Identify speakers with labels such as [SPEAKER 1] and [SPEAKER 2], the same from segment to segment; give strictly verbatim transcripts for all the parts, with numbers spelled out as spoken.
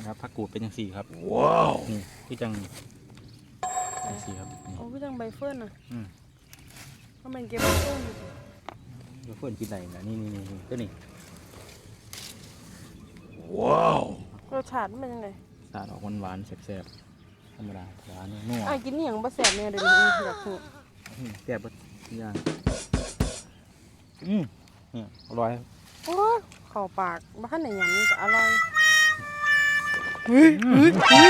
[SPEAKER 1] ครับผักกูดเป็นยังสี่ครับว้าวนี่พี่จังยังสี่ครับ
[SPEAKER 2] โอ้พี่จังใบเฟิร์นอ่ะ
[SPEAKER 1] อืม
[SPEAKER 2] ก็เป็นเก็บใบเฟิร์นอยู่
[SPEAKER 1] เดี๋ยวเฟิร์นกินอะไรนะนี่นี่นี่ก็นี่ว้าว
[SPEAKER 2] รสชาติมันเป็นยังไง
[SPEAKER 1] สาดออกหวานหวานแซ่บๆธรรมดาหวานนัว
[SPEAKER 2] ไอ้กินนี่อย่างบะแสบเนี่ยเดี๋ยวนี้อยากหู
[SPEAKER 1] แซ่บปะย่างอืมเนี่ยอร่อย
[SPEAKER 2] โอ้เข้าปากบ้านไหนอย่างนี้ก็อร่อยเฮ้ยเฮ้ยเฮ้ย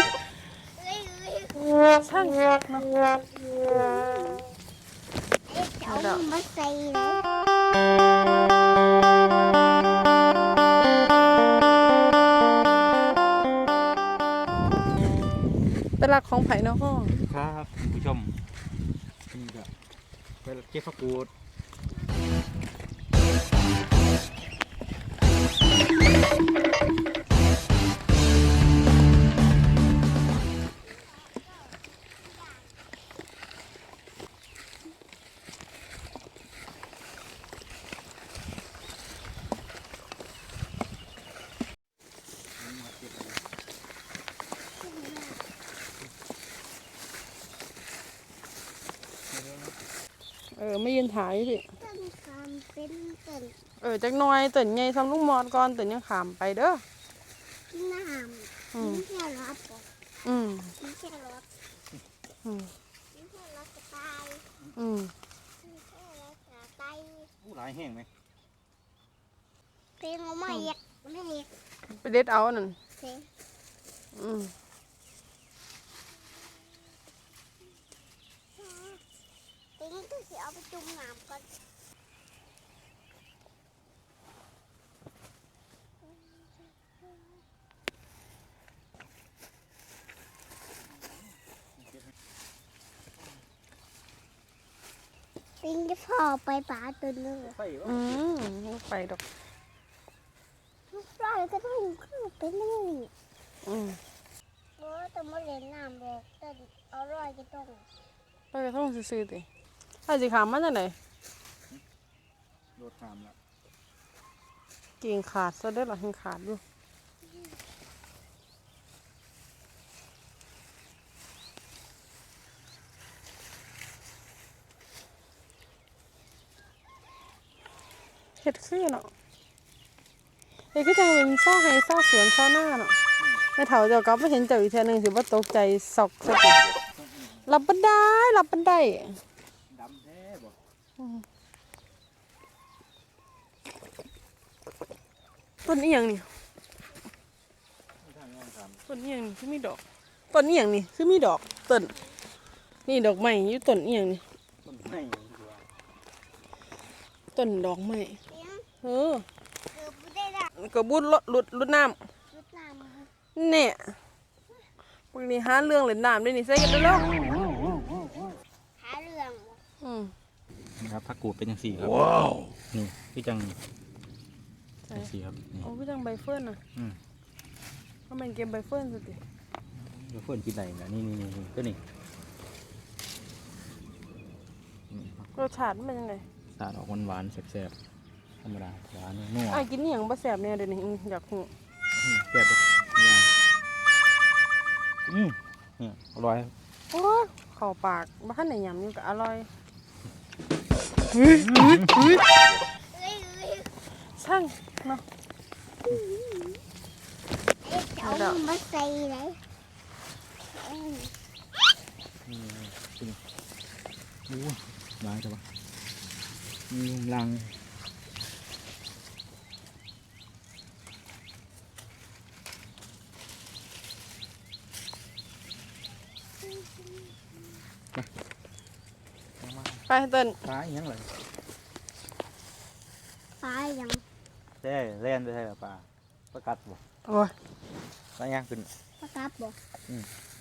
[SPEAKER 2] ช่างนะ
[SPEAKER 3] เอามาใส่เลย
[SPEAKER 2] เป็นหลักของไผ่เนาะห้อง
[SPEAKER 1] ครับคุณผู้ชมนี่ก็ไปเก็บผักกูด
[SPEAKER 2] เออไม่ยืนถ่ายสิ
[SPEAKER 3] ต้นคำเป็นต้น
[SPEAKER 2] เออจักหน่อยตื่นไงทำลูกมอดก่อนตื่นยังขามไปเด้อ
[SPEAKER 3] น้ำไม่ใช่รถ
[SPEAKER 2] อืม
[SPEAKER 3] ไม่ใช่รถ
[SPEAKER 2] อืม
[SPEAKER 3] ไม่ใช่รถกระต่าย
[SPEAKER 2] อืม
[SPEAKER 3] ไม่ใช่รถกระต่าย
[SPEAKER 1] ผู้ร้ายแห้งไหม
[SPEAKER 3] เพลงเอาไม่เอกไม่เอก
[SPEAKER 2] ไปเด็ดเอาหนึ่ง
[SPEAKER 3] เพลง
[SPEAKER 2] อืม
[SPEAKER 3] เพลงก็จะเอาไปจุ่มน้ำก่อนปิงจะพอไปป่าตัวนึง
[SPEAKER 2] อืมลูกไปดอก
[SPEAKER 3] ลูกปลาก็ต้องขึ้นเป็นนี่
[SPEAKER 2] อืม
[SPEAKER 3] โอ้แต่มาเล่นน้ำบอกแต่อร่อยก็ต้อง
[SPEAKER 2] ไปกระท่องซื้อๆติไอ้สิขามมันจะไหน
[SPEAKER 1] โดดขามแล้ว
[SPEAKER 2] กิ่งขาดซะได้หรอกิ่งขาดอยู่เห็ดคือเนาะเอ้ก็จะเป็นซ่าให้ซ่าสวนซ่าหน้าเนาะไม่เถาเจ้าก็ไม่เห็นเจ้าอีกทีนึงถือว่าตกใจสอกสติรับบันไดรับบันได
[SPEAKER 1] ดำแท้บ่
[SPEAKER 2] ต้นนี้อย่างนี้ต้นนี้อย่างนี้คือมีดอกต้นนี้อย่างนี้คือมีดอกต้นนี่ดอกไม้อยู่ต้นนี้อย่างนี้
[SPEAKER 1] ต้นไม้
[SPEAKER 2] ต้นดอกไม้เออ
[SPEAKER 3] เกือบไม่ได้ละ
[SPEAKER 2] กระบุดหลุดหลุดลุดน้
[SPEAKER 3] รุดน้
[SPEAKER 2] ำเนี่ยพวกนี้หาเรื่องเล่นน้ำด้วยนี่ใส่กันได้แล้ว
[SPEAKER 3] ำหาเรื่อง
[SPEAKER 2] อืม
[SPEAKER 1] นะครับผักกูดเป็นยังสี่ครับว้าวนี่พี่จังยังสี่ครับ
[SPEAKER 2] โอ้พี่จังใบเฟิร์นอ่ะ
[SPEAKER 1] อืม
[SPEAKER 2] ก็เป็นเก็บใบเฟิร์นสุดดิ
[SPEAKER 1] เดี๋ยวเฟิร์นกินอะไรนะนี่นี่นี่ก็นี่
[SPEAKER 2] รสชาติมันเป็นยังไง
[SPEAKER 1] สาดออกหวานหวานแซ่บๆธรรมดาหวานนัว
[SPEAKER 2] ไอ้กินนี่อย่างบะแสบเนี่ยเดี๋ยวนี้อยากหู
[SPEAKER 1] แซ่บปะย่างอืมเนี่ยอร่อย
[SPEAKER 2] โอ้เข้าปากบ้านไหนยำนี่ก็อร่อยเฮ้ยเฮ้ยเฮ้ยช่างเนาะ
[SPEAKER 3] เอามาใส่เลย
[SPEAKER 1] นี่จริงโอ้ล้างใช่ปะมีลัง
[SPEAKER 2] ไปเต้น
[SPEAKER 1] ปลาอย่างไร
[SPEAKER 3] ปลาอย่าง
[SPEAKER 1] ใช่เล่นได้ใช่ปลาปลากัดบ่
[SPEAKER 2] โอ้ย
[SPEAKER 1] ปลาย่างขึ้น
[SPEAKER 3] ปลากับบ่
[SPEAKER 1] อืม